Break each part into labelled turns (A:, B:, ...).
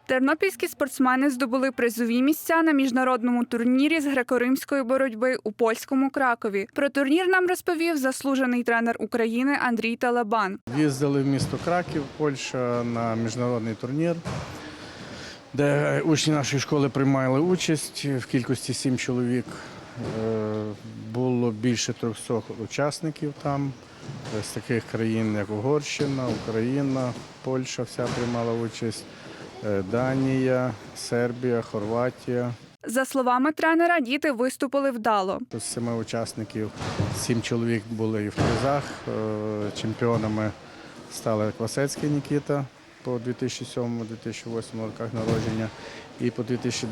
A: Тернопільські спортсмени здобули призові місця на міжнародному турнірі з греко-римської боротьби у польському Кракові. Про турнір нам розповів заслужений тренер України Андрій Талабан.
B: Їздили в місто Краків, Польща, на міжнародний турнір, де учні нашої школи приймали участь в кількості 7 чоловік. Було більше 300 учасників там, з таких країн, як Угорщина, Україна, Польща вся приймала участь, Данія, Сербія, Хорватія.
A: За словами тренера, діти виступили вдало.
B: З 7 учасників 7 чоловік були і в призах. Чемпіонами стали Квасецький Нікіта по 2007-2008 роках народження і по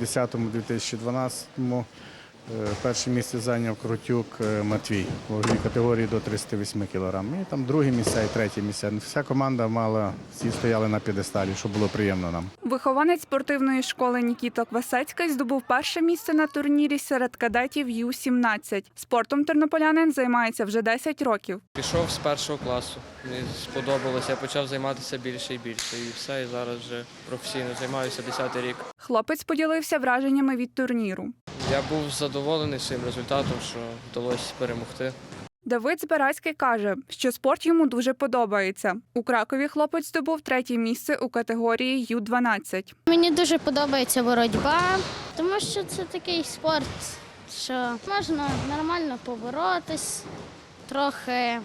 B: 2010-2012 перше місце зайняв Крутюк Матвій у ваговій категорії до 308 кг. І там другі місця і треті місця. Вся команда мала, всі стояли на п'єдесталі, що було приємно нам.
A: Вихованець спортивної школи Нікіта Квасецький здобув перше місце на турнірі серед кадетів Ю-17. Спортом тернополянин займається вже 10 років.
C: Пішов з першого класу, мені сподобалося, я почав займатися більше і більше. І все, і зараз вже професійно займаюся 10-й рік.
A: Хлопець поділився враженнями від турніру.
C: Я був задоволений своїм результатом, що вдалося перемогти.
A: Давид Збирацький каже, що спорт йому дуже подобається. У Кракові хлопець здобув 3-є місце у категорії Ю-12.
D: Мені дуже подобається боротьба, тому що це такий спорт, що можна нормально поборотись, трохи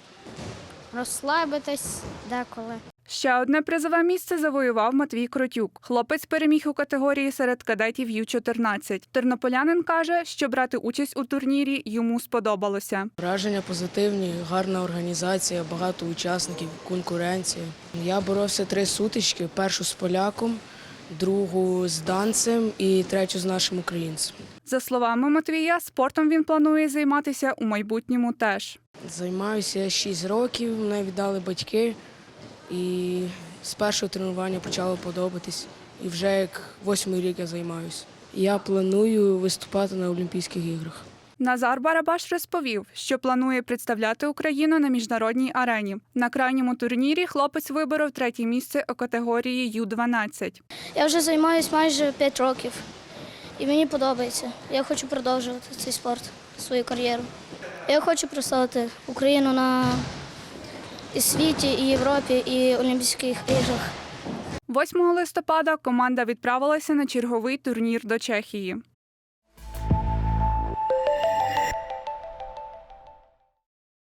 D: розслабитись деколи.
A: Ще одне призове місце завоював Матвій Крутюк. Хлопець переміг у категорії серед кадетів Ю-14. Тернополянин каже, що брати участь у турнірі йому сподобалося.
E: Враження позитивні, гарна організація, багато учасників, конкуренція. Я боровся 3 сутички, першу з поляком, другу з данцем і третю з нашим українцем.
A: За словами Матвія, спортом він планує займатися у майбутньому теж.
E: Займаюся 6 років, мене віддали батьки. І з першого тренування почало подобатись. І вже як 8-й рік я займаюся. Я планую виступати на Олімпійських іграх.
A: Назар Барабаш розповів, що планує представляти Україну на міжнародній арені. На крайньому турнірі хлопець виборов 3-є місце у категорії Ю-12.
D: Я вже займаюся майже 5 років і мені подобається. Я хочу продовжувати цей спорт, свою кар'єру. Я хочу представити Україну на і світі, і Європі, і Олімпійських іграх.
A: 8 листопада команда відправилася на черговий турнір до Чехії.